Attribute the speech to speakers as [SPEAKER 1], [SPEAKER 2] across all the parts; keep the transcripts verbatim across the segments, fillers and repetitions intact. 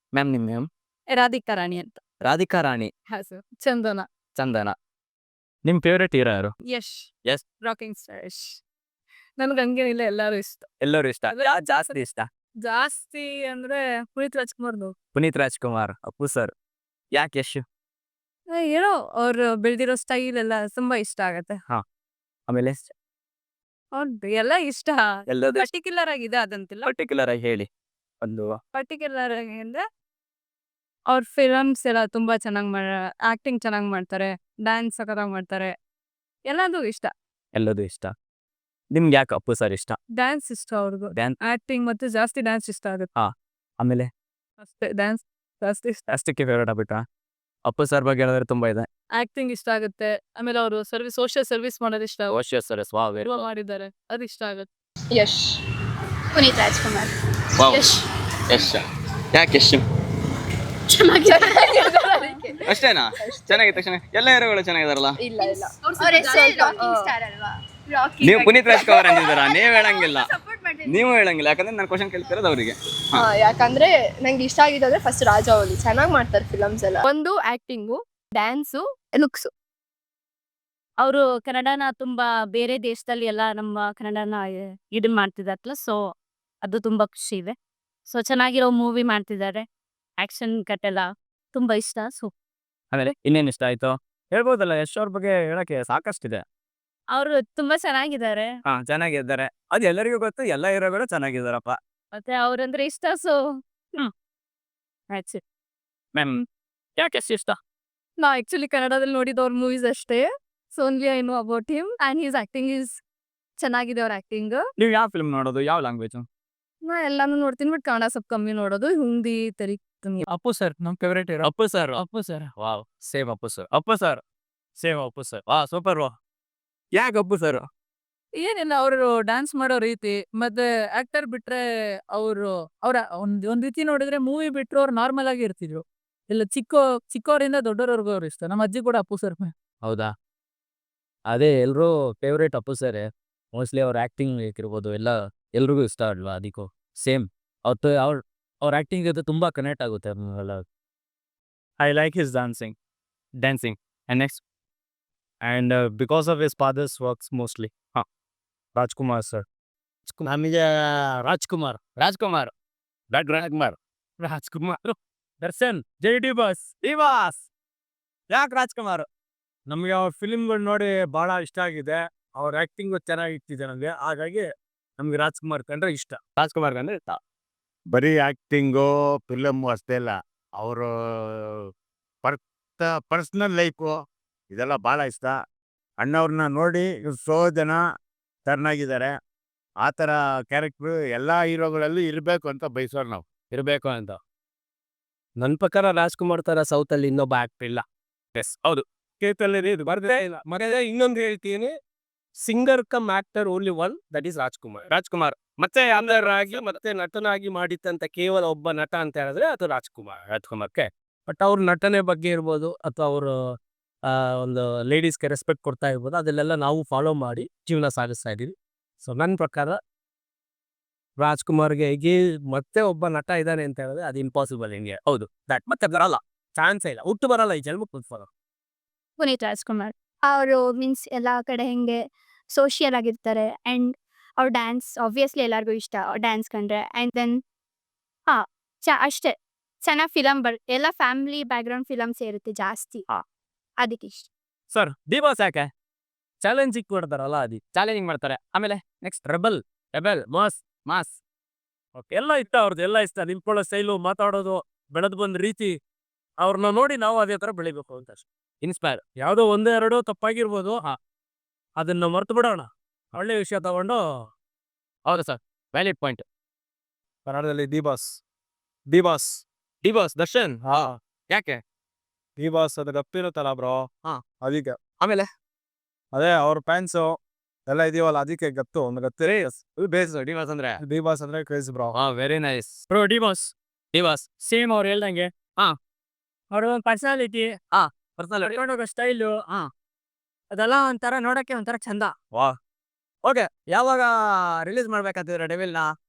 [SPEAKER 1] Ma'am ನಿಮ್ಮ name?
[SPEAKER 2] Radhika ರಾಣಿ ಅಂತ.
[SPEAKER 1] ರಾಧಿಕಾ ರಾಣಿ.
[SPEAKER 2] ಹಾ ಸರ್. ಚಂದನ.
[SPEAKER 1] ಚಂದನ. ನಿಮ್ಮ ಫೇವ್ರೇಟ್ ಹೀರೋ ಯಾರು?
[SPEAKER 2] ಯಶ್.
[SPEAKER 1] ಯಶ್.
[SPEAKER 2] Rocking star Yash. ನನ್ಗೆ ಹಂಗೇನಿಲ್ಲ ಎಲ್ಲರೂ ಇಷ್ಟ.
[SPEAKER 1] ಎಲ್ಲರೂ ಇಷ್ಟ. ಯಾರು ಜಾಸ್ತಿ ಇಷ್ಟ?
[SPEAKER 2] ಜಾಸ್ತಿ ಅಂದ್ರೆ ಪುನೀತ್ ರಾಜ್ಕುಮಾರ್ದು.
[SPEAKER 1] ಪುನೀತ್ ರಾಜ್ಕುಮಾರ್, ಅಪ್ಪು ಸರ್. ಯಾಕೆ ಯಶ್?
[SPEAKER 2] ಏನೋ ಅವ್ರು ಬೆಳೆದಿರೋ ಸ್ಟೈಲ್ ಎಲ್ಲ ತುಂಬಾ ಇಷ್ಟ ಆಗತ್ತೆ.
[SPEAKER 1] ಹಾ. ಆಮೇಲೆ
[SPEAKER 2] ಅವ್ರದ್ದು ಎಲ್ಲ ಇಷ್ಟ.
[SPEAKER 1] ಎಲ್ಲದೂ
[SPEAKER 2] ಪರ್ಟಿಕ್ಯುಲರ್ ಆಗಿದೆ ಅದಂತಿಲ್ಲ.
[SPEAKER 1] ಪರ್ಟಿಕ್ಯುಲರ್ ಆಗಿ ಹೇಳಿ ಒಂದು.
[SPEAKER 2] ಪರ್ಟಿಕ್ಯುಲರ್ ಆಗಿ ಅಂದ್ರೆ ಅವ್ರ ಫಿಲಮ್ಸ್ ಎಲ್ಲ ತುಂಬಾ ಚೆನ್ನಾಗಿ ಮಾಡ ಆಕ್ಟಿಂಗ್ ಚೆನ್ನಾಗಿ ಮಾಡ್ತಾರೆ, ಡ್ಯಾನ್ಸ್ ಸಖತ್ತಾಗಿ ಮಾಡ್ತಾರೆ, ಎಲ್ಲದೂ ಇಷ್ಟ.
[SPEAKER 1] ಎಲ್ಲದೂ ಇಷ್ಟ. ನಿಮ್ಗೆ ಯಾಕೆ ಅಪ್ಪು ಸರ್ ಇಷ್ಟ?
[SPEAKER 2] ಡ್ಯಾನ್ಸ್ ಇಷ್ಟ ಅವ್ರದ್ದು.
[SPEAKER 1] ಡ್ಯಾನ್ಸ್.
[SPEAKER 2] ಆಕ್ಟಿಂಗ್ ಮತ್ತೆ ಜಾಸ್ತಿ ಡ್ಯಾನ್ಸ್ ಇಷ್ಟ ಆಗುತ್ತೆ.
[SPEAKER 1] ಹಾ. ಆಮೇಲೆ
[SPEAKER 2] ಅಷ್ಟೇ, ಡ್ಯಾನ್ಸ್ ಜಾಸ್ತಿ ಇಷ್ಟ.
[SPEAKER 1] ಅಷ್ಟಕ್ಕೆ ಫೇವ್ರೇಟ್ ಆಗ್ಬಿಟ್ರಾ? ಅಪ್ಪು ಸರ್ ಬಗ್ಗೆ ಹೇಳಿದ್ರೆ ತುಂಬಾ ಇದೆ.
[SPEAKER 2] ಆಕ್ಟಿಂಗ್ ಇಷ್ಟ ಆಗುತ್ತೆ. ಆಮೇಲೆ ಅವರು ಸರ್ವಿಸ್ ಸೋಷಿಯಲ್ ಸರ್ವಿಸ್ ಮಾಡೋದು ಇಷ್ಟ.
[SPEAKER 1] ಓಶಿಯಸ್ ಸರ್ ವಾವ್ ವೆರಿ
[SPEAKER 2] ತುಂಬಾ ಮಾಡಿದ್ದಾರೆ, ಅದು ಇಷ್ಟ ಆಗುತ್ತೆ.
[SPEAKER 3] ಯಶ್. ಪುನೀತ್ ರಾಜ್ಕುಮಾರ್.
[SPEAKER 1] ವಾವ್.
[SPEAKER 3] ಯಶ್.
[SPEAKER 1] ಯಶ್. ಯಾಕೆ ಯಶ್?
[SPEAKER 3] ಚೆನ್ನಾಗಿದೆ.
[SPEAKER 1] ಅಷ್ಟೇನಾ? ಚೆನ್ನಾಗಿತ್ತು ತಕ್ಷಣ ಎಲ್ಲ ಹೀರೋಗಳು ಚೆನ್ನಾಗಿದಾರಲ್ಲ.
[SPEAKER 3] ಇಲ್ಲ ಇಲ್ಲ ಅವ್ರ ಹೆಸರು ರಾಕಿಂಗ್ ಸ್ಟಾರ್ ಅಲ್ವಾ? ರಾಕಿ.
[SPEAKER 1] ನೀವು ಪುನೀತ್ ರಾಜ್ಕುಮಾರ್ ಅಂದಿದ್ದೀರಾ? ನೀವು ಹೇಳಂಗಿಲ್ಲ.
[SPEAKER 3] ಸಪೋರ್ಟ್ ಮಾಡ್ತೀನಿ.
[SPEAKER 1] ನೀವು ಹೇಳಂಗಿಲ್ಲ ಯಾಕಂದ್ರೆ ನಾನು ಕ್ವಶನ್ ಕೇಳ್ತಿರೋದು ಅವರಿಗೆ.
[SPEAKER 3] ಹಾ, ಯಾಕಂದ್ರೆ ನಂಗೆ ಇಷ್ಟ ಆಗಿದ್ದು ಫಸ್ಟ್ ರಾಜವೌಲಿ ಚೆನ್ನಾಗಿ ಮಾಡ್ತಾರೆ ಫಿಲಮ್ಸ್ ಎಲ್ಲ.
[SPEAKER 2] ಒಂದು ಆಕ್ಟಿಂಗು, ಡ್ಯಾನ್ಸು, ಲುಕ್ಸು. ಅವರು ಕನ್ನಡನ ತುಂಬಾ ಬೇರೆ ದೇಶದಲ್ಲಿ ಎಲ್ಲ ನಮ್ಮ ಕನ್ನಡನ ಇದನ್ ಮಾಡ್ತಿದಾರಲ್ಲ, ಸೊ ಅದು ತುಂಬಾ ಖುಷಿ ಇದೆ. ಸೊ ಚೆನ್ನಾಗಿರೋ ಮೂವಿ ಮಾಡ್ತಿದ್ದಾರೆ, ಆಕ್ಷನ್ ಕಟ್ ಎಲ್ಲ ತುಂಬಾ ಇಷ್ಟ. ಸೊ
[SPEAKER 1] ಆಮೇಲೆ ಇನ್ನೇನು ಇಷ್ಟ ಆಯ್ತು? ಹೇಳ್ಬೋದಲ್ಲ, ಯಶ್ ಅವ್ರ ಬಗ್ಗೆ ಹೇಳಕ್ಕೆ ಸಾಕಷ್ಟಿದೆ.
[SPEAKER 2] ಅವರು ತುಂಬಾ ಚೆನ್ನಾಗಿದ್ದಾರೆ,
[SPEAKER 1] ಹಾ ಚೆನ್ನಾಗಿದ್ದಾರೆ, ಅದು ಎಲ್ಲರಿಗೂ ಗೊತ್ತು. ಎಲ್ಲ ಹೀರೋಗಳು ಚೆನ್ನಾಗಿದ್ದಾರಪ್ಪ.
[SPEAKER 2] ಮತ್ತೆ ಅವ್ರಂದ್ರೆ ಇಷ್ಟ. ಸೊ ಹ್ಮ್ ಆಯ್ತು.
[SPEAKER 1] ಮ್ಯಾಮ್ ಯಾಕೆ ಯಶ್ ಇಷ್ಟ?
[SPEAKER 2] ನಾ ಆಕ್ಚುಲಿ ಕನ್ನಡದಲ್ಲಿ ನೋಡಿದ ಅವ್ರ ಮೂವೀಸ್ ಅಷ್ಟೇ. So only I know about him and his acting is ಚೆನ್ನಾಗಿದೆ ಅವ್ರ ಆಕ್ಟಿಂಗ್.
[SPEAKER 1] ನೀವು ಯಾವ ಫಿಲ್ಮ್ ನೋಡೋದು? ಯಾವ ಲ್ಯಾಂಗ್ವೇಜ್?
[SPEAKER 2] ನಾ ಎಲ್ಲಾನು ನೋಡ್ತೀನಿ, ಬಟ್ ಕನ್ನಡ ಸ್ವಲ್ಪ ಕಮ್ಮಿ ನೋಡೋದು, ಹಿಂದಿ ತೆರಿ ಕಮ್ಮಿ.
[SPEAKER 4] ಅಪ್ಪು ಸರ್ ನಮ್ favourite hero.
[SPEAKER 1] Appu sir.
[SPEAKER 4] Appu sir.
[SPEAKER 1] Wow same Appu sir. Appu sir same Appu sir. ವಾ ಸೂಪರ್. ವಾ ಯಾಕೆ ಅಪ್ಪು ಸರ್?
[SPEAKER 4] ಏನಿಲ್ಲ, ಅವರು ಡ್ಯಾನ್ಸ್ ಮಾಡೋ ರೀತಿ ಮತ್ತೆ ಆಕ್ಟರ್ ಬಿಟ್ರೆ ಅವರು ಅವ್ರ ಒಂದ್ ಒಂದ್ ರೀತಿ ನೋಡಿದ್ರೆ ಮೂವಿ ಬಿಟ್ರು ಅವ್ರು ನಾರ್ಮಲ್ ಆಗಿ ಇರ್ತಿದ್ರು. ಇಲ್ಲ ಚಿಕ್ಕ ಚಿಕ್ಕವರಿಂದ ದೊಡ್ಡವರವರೆಗೂ ಅವ್ರು ಇಷ್ಟ. ನಮ್ಮ ಅಜ್ಜಿ ಕೂಡ ಅಪ್ಪು ಸರ್.
[SPEAKER 1] ಹೌದಾ? ಅದೇ ಎಲ್ರೂ ಫೇವ್ರೇಟ್ ಅಪ್ಪು ಸರ್. ಮೋಸ್ಟ್ಲಿ ಅವ್ರ ಆಕ್ಟಿಂಗ್ ಇರ್ಬೋದು ಎಲ್ಲ ಎಲ್ರಿಗೂ ಇಷ್ಟ ಅಲ್ವಾ, ಅದಕ್ಕೂ ಸೇಮ್ ಅವತ್ತು ಅವ್ರ ಅವ್ರ ಆಕ್ಟಿಂಗ್ ಜೊತೆ ತುಂಬಾ ಕನೆಕ್ಟ್ ಆಗುತ್ತೆ. I like his dancing dancing and next and because of his father's works mostly. ಹಾಂ ರಾಜ್ಕುಮಾರ್ ಸರ್. ನಮಗೆ ರಾಜ್ಕುಮಾರ್ ರಾಜ್ಕುಮಾರ್ ಡಾಕ್ಟರ್ ರಾಜ್ಕುಮಾರ್ ರಾಜ್ಕುಮಾರ್ ದರ್ಶನ್ ಜೈ ಡಿ ಬಾಸ್ ಡಿ ಬಾಸ್. ಯಾಕೆ ರಾಜ್ಕುಮಾರ್?
[SPEAKER 4] ನಮಗೆ ಅವ್ರ ಫಿಲಿಮ್ಗಳು ನೋಡಿ ಬಹಳ ಇಷ್ಟ ಆಗಿದೆ. ಅವ್ರ ಆಕ್ಟಿಂಗು ಚೆನ್ನಾಗಿ ಇಟ್ಟಿದೆ ನನಗೆ, ಹಾಗಾಗಿ ನಮ್ಗೆ ರಾಜ್ಕುಮಾರ್ ಕಂಡ್ರೆ ಇಷ್ಟ.
[SPEAKER 1] ರಾಜ್ಕುಮಾರ್ ಅಂದ್ರೆ ಇಷ್ಟ.
[SPEAKER 5] ಬರೀ ಆ್ಯಕ್ಟಿಂಗು ಫಿಲಮ್ಮು ಅಷ್ಟೇ ಅಲ್ಲ, ಅವರು ಪರ್ತ ಪರ್ಸ್ನಲ್ ಲೈಫು ಇದೆಲ್ಲ ಭಾಳ ಇಷ್ಟ. ಅಣ್ಣವ್ರನ್ನ ನೋಡಿ ಎಷ್ಟೋ ಜನ ಟರ್ನಾಗಿದ್ದಾರೆ. ಆ ಥರ ಕ್ಯಾರೆಕ್ಟ್ರು ಎಲ್ಲ ಹೀರೋಗಳಲ್ಲೂ ಇರಬೇಕು ಅಂತ ಬಯಸೋರು ನಾವು.
[SPEAKER 1] ಇರಬೇಕು ಅಂತ. ನನ್ನ ಪ್ರಕಾರ ರಾಜ್ಕುಮಾರ್ ಥರ ಸೌತಲ್ಲಿ ಇನ್ನೊಬ್ಬ ಆಕ್ಟರ್ ಇಲ್ಲ. ಎಸ್ ಹೌದು.
[SPEAKER 4] ಕೇತಲ್ಲಿ ಇದು ಬರ್ದೇ ಇಲ್ಲ. ಮತ್ತೆ ಇನ್ನೊಂದು ಹೇಳ್ತೀನಿ, singer cum actor only one, that is Rajkumar.
[SPEAKER 1] Rajkumar
[SPEAKER 4] ಮತ್ತೆ ಆಗಿ ಮತ್ತೆ ನಟನಾಗಿ ಮಾಡಿದ್ದಂತ ಕೇವಲ ಒಬ್ಬ ನಟ ಅಂತ ಹೇಳಿದ್ರೆ ಅದು ರಾಜ್ಕುಮಾರ್.
[SPEAKER 1] ರಾಜ್ಕುಮಾರ್ಗೆ
[SPEAKER 4] ಬಟ್ ಅವ್ರ ನಟನೆ ಬಗ್ಗೆ ಇರ್ಬೋದು ಅಥವಾ ಅವರು ಒಂದು ಲೇಡೀಸ್ಗೆ ರೆಸ್ಪೆಕ್ಟ್ ಕೊಡ್ತಾ ಇರ್ಬೋದು, ಅದನ್ನೆಲ್ಲ ನಾವು ಫಾಲೋ ಮಾಡಿ ಜೀವನ ಸಾಗಿಸ್ತಾ ಇದೀವಿ. ಸೊ ನನ್ನ ಪ್ರಕಾರ ರಾಜ್ಕುಮಾರ್ಗೆ ಹೇಗೆ ಮತ್ತೆ ಒಬ್ಬ ನಟ ಇದ್ದಾನೆ ಅಂತ ಹೇಳಿದ್ರೆ ಅದು ಇಂಪಾಸಿಬಲ್. ಹಿಂಗೆ ಹೌದು, ದಟ್ ಮತ್ತೆ ಬರಲ್ಲ, ಚಾನ್ಸೇ ಇಲ್ಲ, ಹುಟ್ಟು ಬರಲ್ಲ ಈ ಜನ್ಮಕ್ಕೆ ಫಾಲೋ.
[SPEAKER 6] ಪುನೀತ್ ರಾಜ್ಕುಮಾರ್ ಅವರು ಮೀನ್ಸ್ ಎಲ್ಲ ಕಡೆ ಹೆಂಗೆ ಸೋಷಿಯಲ್ ಆಗಿರ್ತಾರೆ ಆ್ಯಂಡ್ ಅವ್ರ ಡ್ಯಾನ್ಸ್ ಆಬ್ವಿಯಸ್ಲಿ ಎಲ್ಲರಿಗೂ ಇಷ್ಟ ಡ್ಯಾನ್ಸ್ ಕಂಡ್ರೆ. ಆ್ಯಂಡ್ ದೆನ್ ಹಾಂ ಚ ಅಷ್ಟೇ ಚೆನ್ನಾಗಿ ಫಿಲಮ್ ಬರ್ ಎಲ್ಲ ಫ್ಯಾಮಿಲಿ ಬ್ಯಾಕ್ಗ್ರೌಂಡ್ ಫಿಲಮ್ಸ್ ಇರುತ್ತೆ ಜಾಸ್ತಿ,
[SPEAKER 1] ಹಾ.
[SPEAKER 6] ಅದಕ್ಕೆ ಇಷ್ಟ.
[SPEAKER 1] ಸರ್ ಡಿ ಬಾಸ್ ಯಾಕೆ?
[SPEAKER 4] ಚಾಲೆಂಜಿಂಗ್ ಕೊಡ್ತಾರಲ್ಲ ಅದು.
[SPEAKER 1] ಚಾಲೆಂಜಿಂಗ್ ಮಾಡ್ತಾರೆ. ಆಮೇಲೆ next
[SPEAKER 4] rebel
[SPEAKER 1] rebel mass mass
[SPEAKER 4] okay ಎಲ್ಲ ಇಷ್ಟ, ಅವ್ರದ್ದು ಎಲ್ಲ ಇಷ್ಟ. ನಿಂತ್ಕೊಳ್ಳೋ ಸ್ಟೈಲು, ಮಾತಾಡೋದು, ಬೆಳೆದು ಬಂದ ರೀತಿ, ಅವ್ರನ್ನ ನೋಡಿ ನಾವು ಅದೇ ಥರ ಬೆಳಿಬೇಕು ಅಂತ ಅಷ್ಟೇ.
[SPEAKER 1] ಇನ್ಸ್ಪೈರ್.
[SPEAKER 4] ಯಾವುದೋ ಒಂದೇ ಎರಡೋ ತಪ್ಪಾಗಿರ್ಬೋದು,
[SPEAKER 1] ಹಾ.
[SPEAKER 4] ಅದನ್ನ ಮರ್ತು ಬಿಡೋಣ, ಒಳ್ಳೆ ವಿಷಯ ತಗೊಂಡು.
[SPEAKER 1] ಹೌದು ಸರ್, ವ್ಯಾಲಿಡ್ ಪಾಯಿಂಟ್.
[SPEAKER 4] ಕನ್ನಡದಲ್ಲಿ D boss D boss
[SPEAKER 1] D boss Darshan.
[SPEAKER 4] ಹಾ
[SPEAKER 1] ಯಾಕೆ?
[SPEAKER 4] ಡಿ ಬಾಸ್ ಅದು ಗಪ್ಪಿರುತ್ತಲ್ಲ ಬ್ರೋ,
[SPEAKER 1] ಹಾ.
[SPEAKER 4] ಅದಕ್ಕೆ
[SPEAKER 1] ಆಮೇಲೆ
[SPEAKER 4] ಅದೇ ಅವ್ರ ಫ್ಯಾನ್ಸು ಎಲ್ಲ ಇದೀವಲ್ಲ, ಅದಕ್ಕೆ ಗತ್ತು ಒಂದು ಗತ್ತಿರಿ.
[SPEAKER 1] ಬೇಸ್ ಡಿ ಬಾಸ್ ಅಂದ್ರೆ
[SPEAKER 4] ಡಿ ಬಾಸ್ ಅಂದ್ರೆ ಕ್ರೇಜ್ ಬ್ರೋ.
[SPEAKER 1] ಹಾ very nice.
[SPEAKER 4] Bro D boss
[SPEAKER 1] D boss
[SPEAKER 4] same ಅವ್ರು ಹೇಳ್ದಂಗೆ.
[SPEAKER 1] ಹಾ.
[SPEAKER 4] ಅವ್ರ ಒಂದು ಪರ್ಸನಾಲಿಟಿ,
[SPEAKER 1] ಪರ್ಸನಲ್.
[SPEAKER 4] ಹೋಗೋ ಸ್ಟೈಲು,
[SPEAKER 1] ಹಾ.
[SPEAKER 4] ಅದೆಲ್ಲ ಒಂಥರ ನೋಡಕ್ಕೆ ಒಂಥರ ಚಂದ.
[SPEAKER 1] ವಾ ಓಕೆ. ಯಾವಾಗ ರಿಲೀಸ್ ಮಾಡ್ಬೇಕಂತಿದ್ರೆ ಡೆವಿಲ್ನ?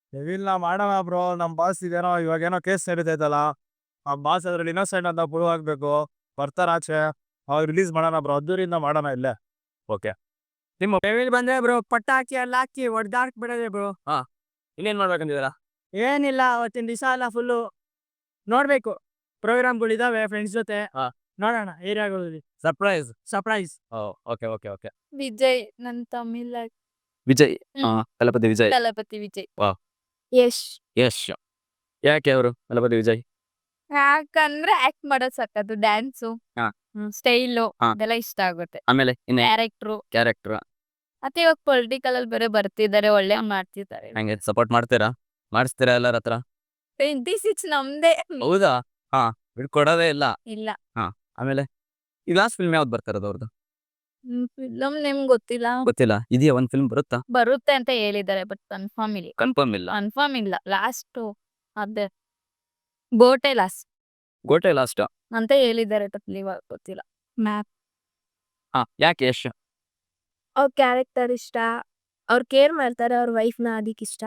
[SPEAKER 5] ಡೆವಿಲ್ನ ಮಾಡೋಣ ಬ್ರೋ. ನಮ್ಮ ಬಾಸ್ ಇದೇನೋ ಇವಾಗ ಏನೋ ಕೇಸ್ ನಡೀತೈತಲ್ಲ, ಆ ಬಾಸ್ ಅದ್ರಲ್ಲಿ ಇನ್ನೋಸೆಂಟ್ ಅಂತ ಪ್ರೂವ್ ಆಗ್ಬೇಕು. ಬರ್ತಾರ ಆಚೆ, ಅವ್ರು ರಿಲೀಸ್ ಮಾಡೋಣ ಬ್ರೋ, ಅದ್ದೂರಿಂದ ಮಾಡೋಣ ಇಲ್ಲೇ. ಓಕೆ,
[SPEAKER 1] ನಿಮ್ಮ ಡೆವಿಲ್ ಬಂದ್ರೆ ಬ್ರೋ ಪಟ್ಟ ಹಾಕಿ ಅಲ್ಲಿ ಹಾಕಿ ಹೊಡ್ದಾಕ್ ಬಿಡೋದೆ ಬ್ರೋ. ಹಾ, ಇನ್ನೇನ್ ಮಾಡ್ಬೇಕಂತಿದ್ದೀರಾ?
[SPEAKER 4] ಏನಿಲ್ಲ, ಅವತ್ತಿನ ದಿವಸ ಎಲ್ಲ ಫುಲ್ಲು ನೋಡ್ಬೇಕು. ಪ್ರೋಗ್ರಾಮ್ಗಳಿದಾವೆ ಫ್ರೆಂಡ್ಸ್ ಜೊತೆ.
[SPEAKER 1] ಹಾ.
[SPEAKER 4] ನೋಡೋಣ ಏರಿಯಾಗಳಲ್ಲಿ
[SPEAKER 1] surprise.
[SPEAKER 4] Surprise.
[SPEAKER 1] Okay okay okay.
[SPEAKER 2] Vijay ನನ್ ತಮಿಳ್
[SPEAKER 1] ವಿಜಯ್,
[SPEAKER 2] ಹ್ಮ್.
[SPEAKER 1] ತಲಪತಿ ವಿಜಯ್.
[SPEAKER 2] ತಲಪತಿ ವಿಜಯ್.
[SPEAKER 6] ಯಶ್
[SPEAKER 1] ಯಶ್. ಯಾಕೆ ಅವರು ತಲಪತಿ ವಿಜಯ್?
[SPEAKER 2] ಯಾಕಂದ್ರೆ ಆಕ್ಟ್ ಮಾಡೋದ್ ಸಕ್ಕತ್ತು, ಡ್ಯಾನ್ಸು,
[SPEAKER 1] ಹಾ.
[SPEAKER 2] ಸ್ಟೈಲು
[SPEAKER 1] ಹಾ.
[SPEAKER 2] ಅದೆಲ್ಲ ಇಷ್ಟ ಆಗುತ್ತೆ.
[SPEAKER 1] ಆಮೇಲೆ ಇನ್ನ
[SPEAKER 2] ಕ್ಯಾರೆಕ್ಟ್ರು
[SPEAKER 1] ಕ್ಯಾರೆಕ್ಟರ್
[SPEAKER 2] ಮತ್ತೆ ಇವಾಗ ಪೊಲಿಟಿಕಲ್ ಅಲ್ಲಿ ಬೇರೆ ಬರ್ತಿದ್ದಾರೆ, ಒಳ್ಳೆ ಮಾಡ್ತಿದ್ದಾರೆ.
[SPEAKER 1] ಹಂಗೆ ಸಪೋರ್ಟ್ ಮಾಡ್ತೀರಾ? ಮಾಡಿಸ್ತೀರಾ ಎಲ್ಲರ ಹತ್ರ?
[SPEAKER 2] ಟ್ವೆಂಟಿ ಸಿಕ್ಸ್ ನಮ್ದೇ.
[SPEAKER 1] ಹೌದಾ? ಹಾ, ಬಿಡ್ಕೊಡೋದೇ ಇಲ್ಲ.
[SPEAKER 2] ಇಲ್ಲ
[SPEAKER 1] ಆಮೇಲೆ ಈ ಲಾಸ್ಟ್ ಫಿಲ್ಮ್ ಯಾವ್ದು ಬರ್ತಾರದು ಅವ್ರದ್ದು?
[SPEAKER 2] ಫಿಲಮ್ ನಿಮ್ಗೆ ಗೊತ್ತಿಲ್ಲ.
[SPEAKER 1] ಗೊತ್ತಿಲ್ಲ. ಇದೆಯಾ ಒಂದ್ ಫಿಲ್ಮ್ ಬರುತ್ತಾ?
[SPEAKER 2] ಬರುತ್ತೆ ಅಂತ ಹೇಳಿದ್ದಾರೆ, ಬಟ್ ಕನ್ಫರ್ಮ್ ಇಲ್ಲ.
[SPEAKER 1] ಕನ್ಫರ್ಮ್ ಇಲ್ಲ.
[SPEAKER 2] ಕನ್ಫರ್ಮ್ ಇಲ್ಲ. ಲಾಸ್ಟ್ ಅದೇ ಗೋಟೆ ಲಾಸ್ಟ್
[SPEAKER 1] ಗೋಟೆ ಲಾಸ್ಟ್.
[SPEAKER 2] ಅಂತ ಹೇಳಿದ್ದಾರೆ, ಇವಾಗ ಗೊತ್ತಿಲ್ಲ. ಮ್ಯಾಪ್
[SPEAKER 1] ಹಾ, ಯಾಕೆ ಯಶ್?
[SPEAKER 6] ಅವ್ರ ಕ್ಯಾರೆಕ್ಟರ್ ಇಷ್ಟ, ಅವ್ರು ಕೇರ್ ಮಾಡ್ತಾರೆ ಅವ್ರ ವೈಫ್ನ, ಅದಕ್ಕೆ ಇಷ್ಟ.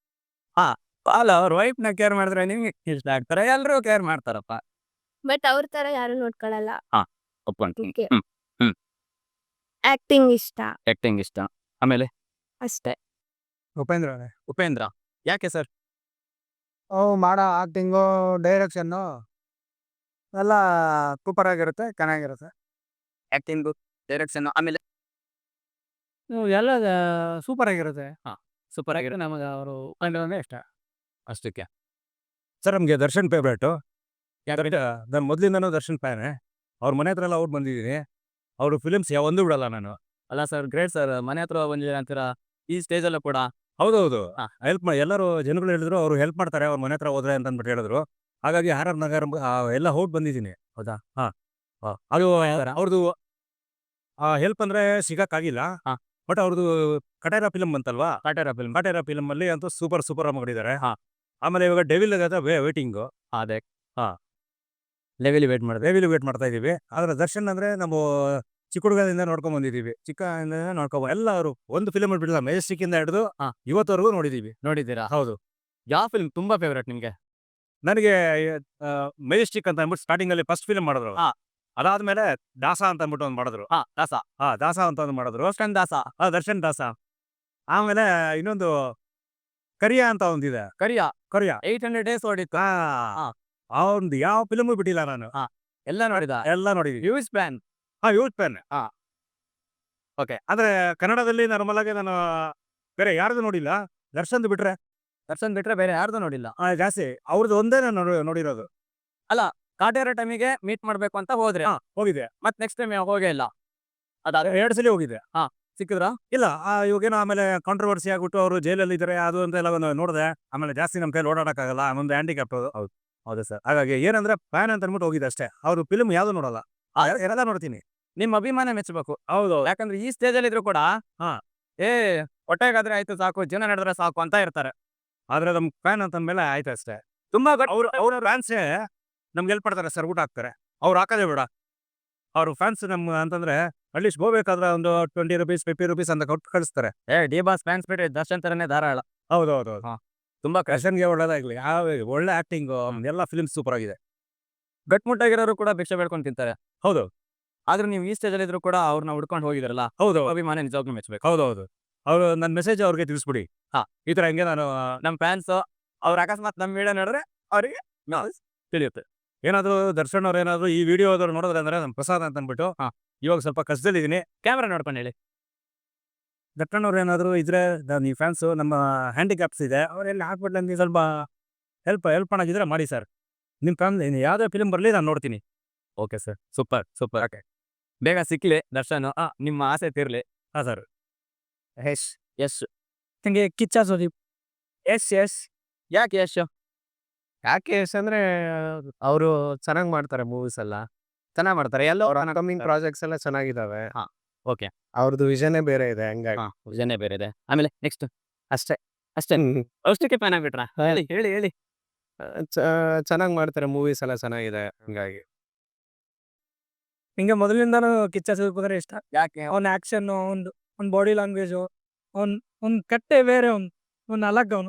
[SPEAKER 1] ಅಲ್ಲ, ಅವ್ರ ವೈಫ್ ನ ಕೇರ್ ಮಾಡಿದ್ರೆ ನಿಮ್ಗೆ ಇಷ್ಟ ಆಗ್ತಾರೆ, ಎಲ್ರೂ ಕೇರ್ ಮಾಡ್ತಾರಪ್ಪ.
[SPEAKER 6] ಬಟ್ ಅವ್ರ ತರ ಯಾರು ನೋಡ್ಕೊಳಲ್ಲ.
[SPEAKER 1] ಒಪ್ಕೊಂತೀನಿ.
[SPEAKER 6] Okay.
[SPEAKER 1] ಹ್ಮ್,
[SPEAKER 6] ಆಕ್ಟಿಂಗ್ ಇಷ್ಟ
[SPEAKER 1] ಆಕ್ಟಿಂಗ್ ಇಷ್ಟ. ಆಮೇಲೆ
[SPEAKER 6] ಅಷ್ಟೇ.
[SPEAKER 5] ಉಪೇಂದ್ರ
[SPEAKER 1] ಉಪೇಂದ್ರ. ಯಾಕೆ ಸರ್?
[SPEAKER 5] ಅವು ಮಾಡೋ ಆಕ್ಟಿಂಗು, ಡೈರೆಕ್ಷನ್ನು ಎಲ್ಲ ಸೂಪರ್ ಆಗಿರುತ್ತೆ, ಚೆನ್ನಾಗಿರುತ್ತೆ.
[SPEAKER 1] ಆಕ್ಟಿಂಗ್, ಡೈರೆಕ್ಷನ್, ಆಮೇಲೆ
[SPEAKER 4] ಎಲ್ಲ ಸೂಪರ್ ಆಗಿರುತ್ತೆ.
[SPEAKER 1] ಸೂಪರ್ ಆಗಿರೋ
[SPEAKER 4] ನಮಗೆ ಅವರು ಉಪೇಂದ್ರನೇ ಇಷ್ಟ.
[SPEAKER 1] ಅಷ್ಟಕ್ಕೆ.
[SPEAKER 5] ಸರ್ ನಮಗೆ ದರ್ಶನ್ ಫೇವ್ರೇಟು. ಯಾಕಂದ್ರೆ ನಾನು ಮೊದಲಿಂದನೂ ದರ್ಶನ್ ಫ್ಯಾನೆ. ಅವ್ರ ಮನೆ ಹತ್ರ ಎಲ್ಲ ಔಟ್ ಬಂದಿದ್ದೀನಿ. ಅವರು ಫಿಲಿಮ್ಸ್ ಯಾವೊಂದು ಬಿಡಲ್ಲ ನಾನು.
[SPEAKER 1] ಅಲ್ಲ ಸರ್, ಗ್ರೇಟ್ ಸರ್, ಮನೆ ಹತ್ರ ಬಂದಿದ್ದೀರಾ ಅಂತೀರಾ ಈ ಸ್ಟೇಜ್ ಅಲ್ಲೂ ಕೂಡ.
[SPEAKER 5] ಹೌದೌದು,
[SPEAKER 1] ಹಾ.
[SPEAKER 5] ಹೆಲ್ಪ್ ಮಾಡಿ ಎಲ್ಲರೂ ಜನಗಳು ಹೇಳಿದ್ರು, ಅವ್ರು ಹೆಲ್ಪ್ ಮಾಡ್ತಾರೆ ಅವ್ರ ಮನೆ ಹತ್ರ ಹೋದ್ರೆ ಅಂತ ಅಂದ್ಬಿಟ್ಟು ಹೇಳಿದ್ರು. ಹಾಗಾಗಿ ಆರ್ ಆರ್ ನಗರ್ ಆ, ಎಲ್ಲ ಔಟ್ ಬಂದಿದ್ದೀನಿ.
[SPEAKER 1] ಹೌದಾ?
[SPEAKER 5] ಅದು ಅವ್ರದ್ದು ಹೆಲ್ಪ್ ಅಂದ್ರೆ ಸಿಗಕ್ಕಾಗಿಲ್ಲ.
[SPEAKER 1] ಹಾ.
[SPEAKER 5] ಬಟ್ ಅವ್ರದ್ದು ಕಟೇರ ಫಿಲಮ್ ಬಂತಲ್ವಾ,
[SPEAKER 1] ಕಾಟೇರ ಫಿಲ್ಮ್.
[SPEAKER 5] ಕಟೇರ ಫಿಲಮ್ ಅಲ್ಲಿ ಅಂತೂ ಸೂಪರ್ ಸೂಪರ್ ಆಗಿ ಮಾಡಿದ್ದಾರೆ.
[SPEAKER 1] ಹಾ.
[SPEAKER 5] ಆಮೇಲೆ ಇವಾಗ ಡೆವಿಲ್ ವೇಟಿಂಗು,
[SPEAKER 1] ಅದೇ.
[SPEAKER 5] ಹಾ.
[SPEAKER 1] ಲೆವೆಲ್ ವೇಟ್ ಮಾಡಿದೆ.
[SPEAKER 5] ಡೆವಿಲ್ ವೇಟ್ ಮಾಡ್ತಾ ಇದೀವಿ. ಆದ್ರೆ ದರ್ಶನ್ ಅಂದ್ರೆ ನಾವು ಚಿಕ್ಕ ಹುಡುಗದಿಂದ ನೋಡ್ಕೊಂಡ್ ಬಂದಿದೀವಿ, ಚಿಕ್ಕ ನೋಡ್ಕೊಂಡ್ ಎಲ್ಲ ಅವರು ಒಂದು ಫಿಲಮ್ ಬಿಡಲ್ಲ, ಮೆಜೆಸ್ಟಿಕ್ ಇಂದ ಹಿಡಿದು
[SPEAKER 1] ಹಾ.
[SPEAKER 5] ಇವತ್ತವರೆಗೂ ನೋಡಿದೀವಿ.
[SPEAKER 1] ನೋಡಿದ್ದೀರಾ?
[SPEAKER 5] ಹೌದು,
[SPEAKER 1] ಯಾವ ಫಿಲ್ಮ್ ತುಂಬಾ ಫೇವ್ರೇಟ್ ನಿಮ್ಗೆ?
[SPEAKER 5] ನನಗೆ ಮೆಜೆಸ್ಟಿಕ್ ಅಂತ ಅಂದ್ಬಿಟ್ಟು ಸ್ಟಾರ್ಟಿಂಗ್ ಅಲ್ಲಿ ಫಸ್ಟ್ ಫಿಲ್ಮ್ ಮಾಡಿದ್ರು.
[SPEAKER 1] ಹಾ.
[SPEAKER 5] ಅದಾದ್ಮೇಲೆ ದಾಸ ಅಂತ ಅಂದ್ಬಿಟ್ಟು ಒಂದು ಮಾಡಿದ್ರು.
[SPEAKER 1] ಹಾ, ದಾಸ.
[SPEAKER 5] ಹಾ, ದಾಸ ಅಂತ ಒಂದು ಮಾಡಿದ್ರು.
[SPEAKER 1] ದರ್ಶನ್ ದಾಸ.
[SPEAKER 5] ಹಾ, ದರ್ಶನ್ ದಾಸ. ಆಮೇಲೆ ಇನ್ನೊಂದು ಕರಿಯಾ ಅಂತ ಒಂದಿದೆ.
[SPEAKER 1] Kariya
[SPEAKER 5] Kariya
[SPEAKER 1] eight hundred days ಓಡಿತ್ತು.
[SPEAKER 5] ಹಾ,
[SPEAKER 1] ಹಾ.
[SPEAKER 5] ಅವ್ನ್ದು ಯಾವ ಫಿಲಮು ಬಿಟ್ಟಿಲ್ಲ ನಾನು.
[SPEAKER 1] ಎಲ್ಲ ನೋಡಿದ.
[SPEAKER 5] ಎಲ್ಲ ನೋಡಿದೀವಿ.
[SPEAKER 1] ಯೂಸ್ ಪ್ಯಾನ್.
[SPEAKER 5] ಹಾ, ಯೂತ್ ಪೆನ್.
[SPEAKER 1] ಹಾ.
[SPEAKER 5] ಓಕೆ, ಅಂದ್ರೆ ಕನ್ನಡದಲ್ಲಿ ನಾರ್ಮಲ್ ಆಗಿ ನಾನು ಬೇರೆ ಯಾರ್ದು ನೋಡಿಲ್ಲ, ದರ್ಶನ್ದು ಬಿಟ್ರೆ
[SPEAKER 1] ದರ್ಶನ್ ಬಿಟ್ರೆ ಬೇರೆ ಯಾರ್ದು ನೋಡಿಲ್ಲ.
[SPEAKER 5] ಆ, ಜಾಸ್ತಿ ಅವ್ರದ್ದು ಒಂದೇ ನಾನು ನೋಡಿ- ನೋಡಿರೋದು.
[SPEAKER 1] ಕಾಟೇರ ಟೈಮಿಗೆ ಮೀಟ್ ಮಾಡ್ಬೇಕು ಅಂತ ಹೋದ್ರೆ
[SPEAKER 5] ಹಾ, ಹೋಗಿದೆ.
[SPEAKER 1] ಮತ್ ನೆಕ್ಸ್ಟ್ ಟೈಮ್ ಹೋಗೇ ಇಲ್ಲ. ಅದಾದ
[SPEAKER 5] ಎರಡು ಸಲ ಹೋಗಿದೆ.
[SPEAKER 1] ಸಿಕ್ಕಿದ್ರ?
[SPEAKER 5] ಇಲ್ಲ, ಆ, ಇವಾಗೇನೋ ಆಮೇಲೆ ಕಾಂಟ್ರವರ್ಸಿ ಆಗ್ಬಿಟ್ಟು ಅವರು ಜೈಲಲ್ಲಿ ಇದ್ದಾರೆ ಅದು ಅಂತ ಎಲ್ಲ ಒಂದು ನೋಡಿದೆ. ಆಮೇಲೆ ಜಾಸ್ತಿ ನಮ್ಮ ಕೈಲಿ ಓಡಾಡಕ್ಕಾಗಲ್ಲ, ಒಂದು ಹ್ಯಾಂಡಿಕ್ಯಾಪ್. ಹೌದು ಹೌದು ಸರ್. ಹಾಗಾಗಿ ಏನಂದ್ರೆ ಫ್ಯಾನ್ ಅಂತ ಅಂದ್ಬಿಟ್ಟು ಹೋಗಿದೆ ಅಷ್ಟೇ. ಅವ್ರು ಫಿಲ್ಮ್ ಯಾವ್ದು ನೋಡಲ್ಲ, ಆ, ಎಲ್ಲ ನೋಡ್ತೀನಿ.
[SPEAKER 1] ನಿಮ್ಮ ಅಭಿಮಾನ ಮೆಚ್ಚಬೇಕು.
[SPEAKER 5] ಹೌದು,
[SPEAKER 1] ಯಾಕಂದ್ರೆ ಈ ಸ್ಟೇಜ್ ಅಲ್ಲಿ ಇದ್ರು ಕೂಡ
[SPEAKER 5] ಹಾ.
[SPEAKER 1] ಏ ಹೊಟ್ಟೆಗಾದ್ರೆ ಆಯ್ತು ಸಾಕು, ಜೀವನ ನಡೆದ್ರೆ ಸಾಕು ಅಂತ ಇರ್ತಾರೆ.
[SPEAKER 5] ಆದ್ರೆ ನಮ್ ಫ್ಯಾನ್ ಅಂತ ಅಂದ್ಮೇಲೆ ಆಯ್ತು ಅಷ್ಟೇ.
[SPEAKER 1] ತುಂಬಾ ಗಟ್-
[SPEAKER 5] ಅವ್ರು ಅವ್ರ ಫ್ಯಾನ್ಸೇ ನಮ್ಗೆ ಹೆಲ್ಪ್ ಮಾಡ್ತಾರೆ ಸರ್, ಊಟ ಹಾಕ್ತಾರೆ. ಅವ್ರು ಹಾಕೋದೇ ಬೇಡ, ಅವ್ರ ಫ್ಯಾನ್ಸ್ ನಮ್ ಅಂತಂದ್ರೆ ಅಟ್ಲೀಸ್ಟ್ ಹೋಗ್ಬೇಕಾದ್ರೆ ಒಂದು ಟ್ವೆಂಟಿ ರುಪೀಸ್ ಫಿಫ್ಟಿ ರುಪೀಸ್ ಅಂತ ಕೊಟ್ಟು ಕಳಿಸ್ತಾರೆ.
[SPEAKER 1] ಏ ಡಿ ಬಾಸ್ ಫ್ಯಾನ್ಸ್ ಬಿಟ್ರೆ ದರ್ಶನ್ ತರನೇ ಧಾರಾಳ.
[SPEAKER 5] ಹೌದು ಹೌದು ಹೌದು.
[SPEAKER 1] ಹಾ. ತುಂಬಾ ಕಷ್ಟ.
[SPEAKER 5] ದರ್ಶನ್ಗೆ ಒಳ್ಳೇದಾಗ್ಲಿ, ಯಾವ ಒಳ್ಳೆ ಆಕ್ಟಿಂಗ್, ಎಲ್ಲ ಫಿಲ್ಮ್ ಸೂಪರ್ ಆಗಿದೆ.
[SPEAKER 1] ಗಟ್ಮುಟ್ಟಾಗಿರೋರು ಕೂಡ ಭಿಕ್ಷೆ ಬೇಡ್ಕೊಂಡು ತಿಂತಾರೆ.
[SPEAKER 5] ಹೌದು
[SPEAKER 1] ಆದ್ರೆ ನೀವು ಈ ಸ್ಟೇಜ್ ಅಲ್ಲಿ ಇದ್ರು ಕೂಡ ಅವ್ರನ್ನ ಹುಡ್ಕೊಂಡು ಹೋಗಿದ್ರಲ್ಲ,
[SPEAKER 5] ಹೌದು
[SPEAKER 1] ಅಭಿಮಾನ ನಿಜವಾಗ್ಲೂ ಮೆಚ್ಚಬೇಕು.
[SPEAKER 5] ಹೌದು ಹೌದು. ಅವ್ರು ನನ್ನ ಮೆಸೇಜ್ ಅವ್ರಿಗೆ ತಿಳಿಸ್ಬಿಡಿ.
[SPEAKER 1] ಹಾ.
[SPEAKER 5] ಈ ತರ ಹೆಂಗೆ ನಾನು
[SPEAKER 1] ನಮ್ ಫ್ಯಾನ್ಸ್ ಅವ್ರ ಅಕಸ್ಮಾತ್ ನಮ್ ವಿಡಿಯೋ ನೋಡಿದ್ರೆ ಅವರಿಗೆ ತಿಳಿಯುತ್ತೆ.
[SPEAKER 5] ಏನಾದ್ರು ದರ್ಶನ್ ಅವ್ರು ಏನಾದ್ರು ಈ ವಿಡಿಯೋ ಆದ್ರು ನೋಡಿದ್ರೆ ಅಂದ್ರೆ ನಮ್ ಪ್ರಸಾದ್ ಅಂತ ಅಂದ್ಬಿಟ್ಟು
[SPEAKER 1] ಹಾ.
[SPEAKER 5] ಇವಾಗ ಸ್ವಲ್ಪ ಕಷ್ಟದಲ್ಲಿದ್ದೀನಿ.
[SPEAKER 1] ಕ್ಯಾಮ್ರಾ ನೋಡ್ಕೊಂಡು ಹೇಳಿ.
[SPEAKER 5] ದರ್ಶನ್ ಅವ್ರು ಏನಾದ್ರು ಇದ್ರೆ ನಾನು ಈ ಫ್ಯಾನ್ಸ್ ನಮ್ಮ ಹ್ಯಾಂಡಿಕ್ಯಾಪ್ಸ್ ಇದೆ, ಅವ್ರೆಲ್ಲ ಹಾಕ್ಬಿಟ್ಟು ನನಗೆ ಸ್ವಲ್ಪ ಹೆಲ್ಪ್ ಹೆಲ್ಪ್ ಮಾಡಾಗಿದ್ರೆ ಮಾಡಿ ಸರ್. ನಿಮ್ಮ ಫ್ಯಾಮಿಲಿ ಯಾವುದೇ ಫಿಲ್ಮ್ ಬರಲಿ ನಾನು ನೋಡ್ತೀನಿ.
[SPEAKER 1] Okay sir, super super. Okay, ಬೇಗ ಸಿಕ್ಲಿ ದರ್ಶನ್, ನಿಮ್ಮ ಆಸೆ ತೀರ್ಲಿ.
[SPEAKER 5] ಹಾಂ ಸರ್.
[SPEAKER 1] S S.
[SPEAKER 4] ನಂಗೆ ಕಿಚ್ಚ ಸುದೀಪ್.
[SPEAKER 1] S S. ಯಾಕೆ ಯಶ್?
[SPEAKER 7] ಯಾಕೆ ಯಶ್ ಅಂದ್ರೆ ಅವರು ಚೆನ್ನಾಗಿ ಮಾಡ್ತಾರೆ ಮೂವೀಸ್ ಎಲ್ಲ,
[SPEAKER 1] ಚೆನ್ನಾಗಿ ಮಾಡ್ತಾರೆ ಎಲ್ಲ.
[SPEAKER 7] ಅವ್ರ ಅಪ್ಕಮಿಂಗ್ ಪ್ರಾಜೆಕ್ಟ್ಸ್ ಎಲ್ಲ ಚೆನ್ನಾಗಿದಾವೆ.
[SPEAKER 1] ಹಾ, ಓಕೆ.
[SPEAKER 7] ಅವ್ರದ್ದು ವಿಷನೇ ಬೇರೆ ಇದೆ, ಹಂಗಾಗಿ
[SPEAKER 1] ವಿಷನೇ ಬೇರೆ ಇದೆ. ಆಮೇಲೆ ನೆಕ್ಸ್ಟ್
[SPEAKER 7] ಅಷ್ಟೇ.
[SPEAKER 1] ಅಷ್ಟೇ. ಅಷ್ಟಕ್ಕೆ ಫ್ಯಾನ್ ಆಗ್ಬಿಟ್ರಾ? ಹೇಳಿ ಹೇಳಿ ಹೇಳಿ.
[SPEAKER 7] ಚೆನ್ನಾಗಿ ಮಾಡ್ತಾರೆ ಮೂವೀಸ್ ಎಲ್ಲ ಚೆನ್ನಾಗಿದೆ, ಹಂಗಾಗಿ
[SPEAKER 4] ಹಿಂಗೆ ಮೊದಲಿಂದಾನು ಕಿಚ್ಚ ಸುದೀಪ್ ಅಂದ್ರೆ ಇಷ್ಟ.
[SPEAKER 1] ಯಾಕೆ?
[SPEAKER 4] ಅವ್ನ ಆಕ್ಷನ್, ಅವ್ನ್ ಅವ್ನ ಬಾಡಿ ಲ್ಯಾಂಗ್ವೇಜು, ಅವ್ನ್ ಅವ್ನ್ ಕಟ್ಟೆ ಬೇರೆ, ಅವ್ನ್ ಅವ್ನ ಅಲಗ್ ಅವನು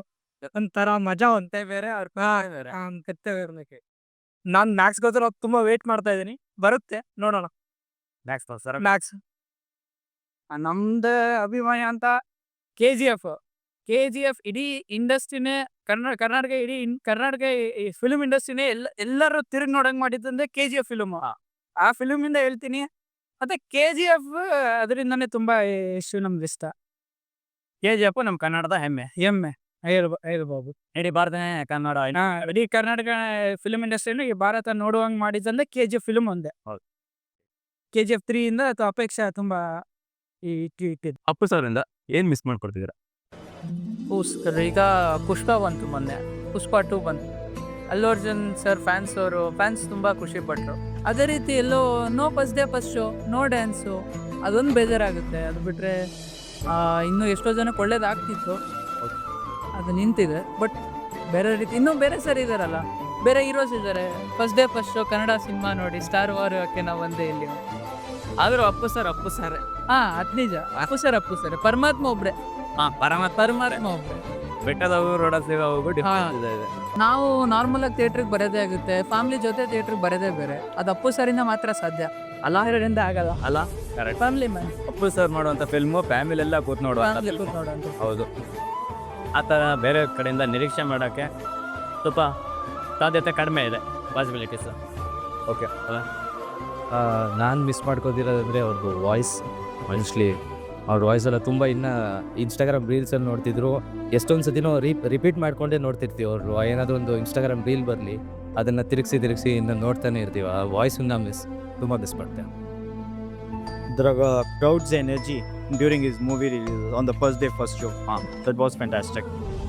[SPEAKER 8] ಒಂಥರ ಮಜಾ ಒಂದೇ ಬೇರೆ ಅವ್ರ ಕತ್ತೆ ಬೇರೆ. ನಾನು ಮ್ಯಾಕ್ಸ್ಗೋಸ್ಕರ ತುಂಬಾ ವೇಟ್ ಮಾಡ್ತಾ ಇದ್ದೀನಿ, ಬರುತ್ತೆ ನೋಡೋಣ.
[SPEAKER 5] ಮ್ಯಾಕ್ಸ್ ಸರ್
[SPEAKER 8] ಮ್ಯಾಕ್ಸ್ ನಮ್ದು ಅಭಿಮಾನ ಅಂತ K G F K G F ಇಡೀ ಇಂಡಸ್ಟ್ರಿನೇ ಕನ್ನಡ ಕರ್ನಾಟಕ ಇಡೀ ಇನ್- ಕರ್ನಾಟಕ ಈ ಫಿಲ್ಮ್ ಇಂಡಸ್ಟ್ರಿನೇ ಎಲ್ಲ ಎಲ್ಲರೂ ತಿರುಗಿ ನೋಡಂಗ್ ಮಾಡಿದ್ದಂದ್ರೆ ಕೆ ಜಿ ಎಫ್ ಫಿಲ್ಮ್. ಆ ಫಿಲ್ಮ್ ಇಂದ ಹೇಳ್ತೀನಿ. ಮತ್ತೆ ಕೆ ಜಿ ಎಫ್ ಅದರಿಂದನೇ ತುಂಬಾ ಇಷ್ಟು ನಮ್ಗೆ ಇಷ್ಟ.
[SPEAKER 1] ಕೆ ಜಿ ಎಫ್ ನಮ್ಮ ಕನ್ನಡದ ಹೆಮ್ಮೆ.
[SPEAKER 8] ಹೆಮ್ಮೆ ಹೇಳ್ಬ ಹೇಳ್ಬೋದು.
[SPEAKER 1] ಇಡೀ ಭಾರತ ಕನ್ನಡ
[SPEAKER 8] ಹಾ, ಇಡೀ ಕರ್ನಾಟಕ ಫಿಲ್ಮ್ ಇಂಡಸ್ಟ್ರಿಯಲ್ಲಿ ಈ ಭಾರತ ನೋಡುವಂಗ್ ಮಾಡಿದಂದ್ರೆ ಕೆ ಜಿ ಎಫ್ ಫಿಲ್ಮ್ ಒಂದೇ.
[SPEAKER 1] ಹೌದು.
[SPEAKER 8] ಕೆ ಜಿ ಎಫ್ ತ್ರೀ ಇಂದ ಅಥವಾ ಅಪೇಕ್ಷೆ ತುಂಬಾ ಈ ಇಟ್ಟು ಇಟ್ಟಿದ್ದು.
[SPEAKER 1] ಅಪ್ಪು ಸರ್ ಇಂದ ಏನ್ ಮಿಸ್ ಮಾಡ್ಕೊಡ್ತಿದ್ದೀರಾ?
[SPEAKER 4] ಪುಷ್ಪ ಈಗ ಪುಷ್ಪ ಬಂತು ಮೊನ್ನೆ, ಪುಷ್ಪ ಟೂ ಬಂತು. ಅಲ್ಲು ಅರ್ಜುನ್ ಸರ್ ಫ್ಯಾನ್ಸ್ ಅವರು ಫ್ಯಾನ್ಸ್ ತುಂಬ ಖುಷಿ ಪಟ್ಟರು. ಅದೇ ರೀತಿ ಎಲ್ಲೋ no first day first show, no dance, ಅದೊಂದು ಬೇಜಾರಾಗುತ್ತೆ. ಅದು ಬಿಟ್ಟರೆ ಇನ್ನೂ ಎಷ್ಟೋ ಜನಕ್ಕೆ ಒಳ್ಳೇದಾಗ್ತಿತ್ತು, ಅದು ನಿಂತಿದೆ. ಬಟ್ ಬೇರೆ ರೀತಿ ಇನ್ನೂ ಬೇರೆ ಸರ್ ಇದ್ದಾರಲ್ಲ, ಬೇರೆ ಹೀರೋಸ್ ಇದ್ದಾರೆ. First day first show Kannada cinema ನೋಡಿ ಸ್ಟಾರ್ ವಾರ್ ಯಾಕೆ ನಾವು ಒಂದೇ ಇಲ್ಲಿ.
[SPEAKER 1] ಆದ್ರೂ ಅಪ್ಪು ಸರ್ ಅಪ್ಪು ಸರ್
[SPEAKER 4] ಹಾಂ, ಅದು ನಿಜ. ಅಪ್ಪು ಸರ್ ಅಪ್ಪು ಸರ್ ಪರಮಾತ್ಮ ಒಬ್ಬರೇ,
[SPEAKER 1] ಹಾ ಪರಮಾತ್ಮ
[SPEAKER 4] ಪರಮಾತ್ಮ ಒಬ್ಬರೇ.
[SPEAKER 1] ಬೆಟ್ಟದವು ರೋಡ ಸಿಗೋವು ಡಿಫ್ರೆನ್ಸ್ ಇದೆ.
[SPEAKER 4] ನಾವು ನಾರ್ಮಲ್ ಆಗಿ ಥಿಯೇಟ್ರಿಗೆ ಬರೋದೇ ಆಗುತ್ತೆ, ಫ್ಯಾಮಿಲಿ ಜೊತೆ ಥಿಯೇಟ್ರಿಗೆ ಬರೋದೇ ಬೇರೆ. ಅದು ಅಪ್ಪು ಸರಿಂದ ಮಾತ್ರ ಸಾಧ್ಯ, ಅಲ್ಲ ಹೀರೋದಿಂದ ಆಗಲ್ಲ.
[SPEAKER 1] ಅಲ್ಲ correct.
[SPEAKER 4] Family man,
[SPEAKER 1] Appu sir ಮಾಡುವಂತ ಫಿಲ್ಮು ಫ್ಯಾಮಿಲಿ ಎಲ್ಲ ಕೂತ್ ನೋಡುವಂತ
[SPEAKER 4] ಫ್ಯಾಮಿಲಿ
[SPEAKER 1] film.
[SPEAKER 4] ಕೂತ್ ನೋಡೋದು.
[SPEAKER 1] ಹೌದು. ಆ ಥರ ಬೇರೆ ಕಡೆಯಿಂದ ನಿರೀಕ್ಷೆ ಮಾಡೋಕ್ಕೆ ಸ್ವಲ್ಪ ಸಾಧ್ಯತೆ ಕಡಿಮೆ ಇದೆ, ಪಾಸಿಬಿಲಿಟೀಸ್.
[SPEAKER 9] ಓಕೆ, ನಾನು ಮಿಸ್ ಮಾಡ್ಕೋದಿರೋದಂದರೆ ಅವ್ರದ್ದು ವಾಯ್ಸ್. ಮೋಸ್ಟ್ಲಿ ಅವ್ರ ವಾಯ್ಸ್ ಎಲ್ಲ ತುಂಬ ಇನ್ನು ಇನ್ಸ್ಟಾಗ್ರಾಮ್ ರೀಲ್ಸಲ್ಲಿ ನೋಡ್ತಿದ್ರು, ಎಷ್ಟೊಂದು ಸತಿನೂ ರೀ ರಿಪೀಟ್ ಮಾಡ್ಕೊಂಡೇ ನೋಡ್ತಿರ್ತೀವಿ. ಅವರು ಏನಾದರೂ ಒಂದು ಇನ್ಸ್ಟಾಗ್ರಾಮ್ ರೀಲ್ ಬರಲಿ, ಅದನ್ನು ತಿರುಗಿಸಿ ತಿರುಗಿಸಿ ಇನ್ನು ನೋಡ್ತಾನೆ ಇರ್ತೀವಿ. ಆ ವಾಯ್ಸನ್ನ ಮಿಸ್ ತುಂಬ ಮಿಸ್ ಮಾಡ್ತೇವೆ.
[SPEAKER 10] The uh, crowd's energy during his movie release on the first day, first show. Ah, that was fantastic.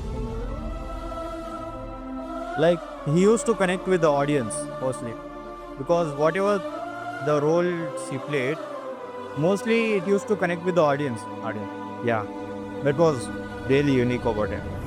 [SPEAKER 10] Like, he used to connect with the audience mostly, because whatever the roles he played, mostly it used to connect with the audience. Audience. Yeah, that was really unique about him.